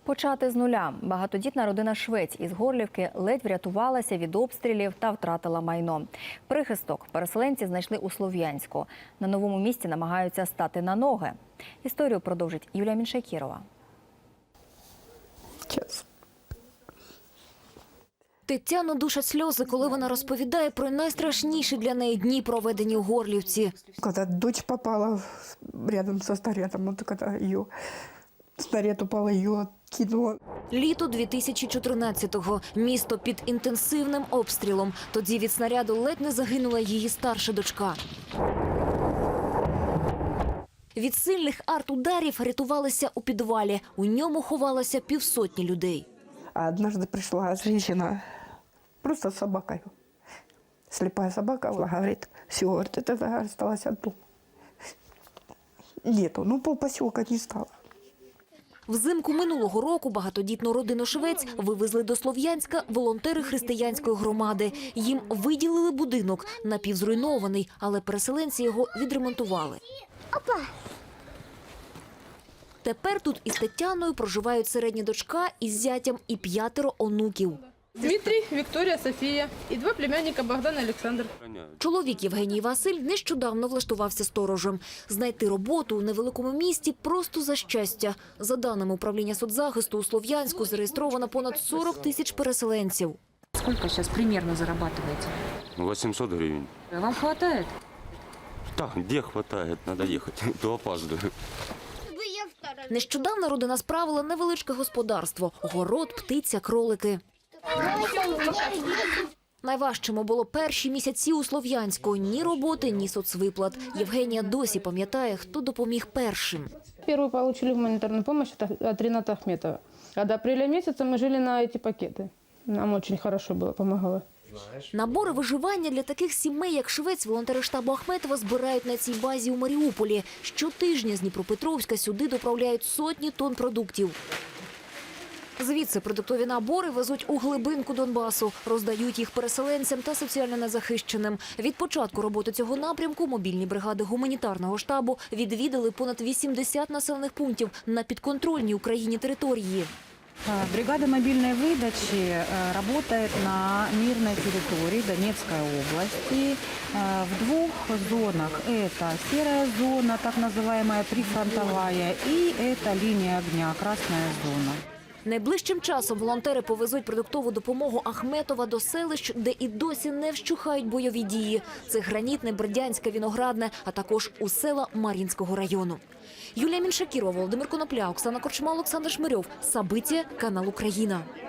Почати з нуля. Багатодітна родина Швець із Горлівки ледь врятувалася від обстрілів та втратила майно. Прихисток переселенці знайшли у Слов'янську. На новому місці намагаються стати на ноги. Історію продовжить Юлія Міншакірова. Тетяну душать сльози, коли вона розповідає про найстрашніші для неї дні, проведені у Горлівці. Когда дочь попала рядом со снарядом, вот когда ее снаряд упал, ее кинуло. Літо 2014-го. Місто під інтенсивним обстрілом. Тоді від снаряду ледь не загинула її старша дочка. Від сильних арт-ударів рятувалися у підвалі. У ньому ховалося півсотні людей. А однажды пришла женщина просто с собакой. Слепая собака, она говорит, все, говорит, это осталось одно. Нету, ну полпоселка не стало. Взимку минулого року багатодітну родину Швець вивезли до Слов'янська волонтери християнської громади. Їм виділили будинок, напівзруйнований, але переселенці його відремонтували. Тепер тут із Тетяною проживають середня дочка із зятям і 5 онуків. Дмитрий, Виктория, София и 2 племянника Богдан и Александр. Чоловік Євгеній Василь нещодавно влаштувався сторожем. Знайти роботу у невеликому місті просто за щастя. За даними управління соцзахисту, у Слов'янську зареєстровано понад 40 тисяч переселенців. Сколько сейчас примерно зарабатываете? 800 гривен. Вам хватает? Так, где хватает, надо ехать, то опаздываю. Нещодавно родина справила невеличке господарство – город, птиця, кролики. Найважчими було перші місяці у Слов'янську. Ні роботи, ні соцвиплат. Євгенія досі пам'ятає, хто допоміг першим. Первую получили гуманитарную помощь от Рената Ахметова. А до апреля месяца мы жили на эти пакеты. Нам очень хорошо было, помогало. Набори виживання для таких сімей, як Швець, волонтери штабу Ахметова збирають на цій базі у Маріуполі. Щотижня з Дніпропетровська сюди доправляють сотні тонн продуктів. Звідси продуктові набори везуть у глибинку Донбасу, роздають їх переселенцям та соціально незахищеним. Від початку роботи цього напрямку мобільні бригади гуманітарного штабу відвідали понад 80 населених пунктів на підконтрольній Україні території. Бригада мобильной выдачи работает на мирной территории Донецкой области в 2 зонах. Это серая зона, так называемая прифронтовая, и это линия огня, красная зона. Найближчим часом волонтери повезуть продуктову допомогу Ахметова до селищ, де і досі не вщухають бойові дії. Це Гранітне, Бердянське, Віноградне, а також у села Мар'їнського району. Юлія Міншакірова, Володимир Конопля, Оксана Корчма, Олександр Шмирьов. Сабиття, канал Україна.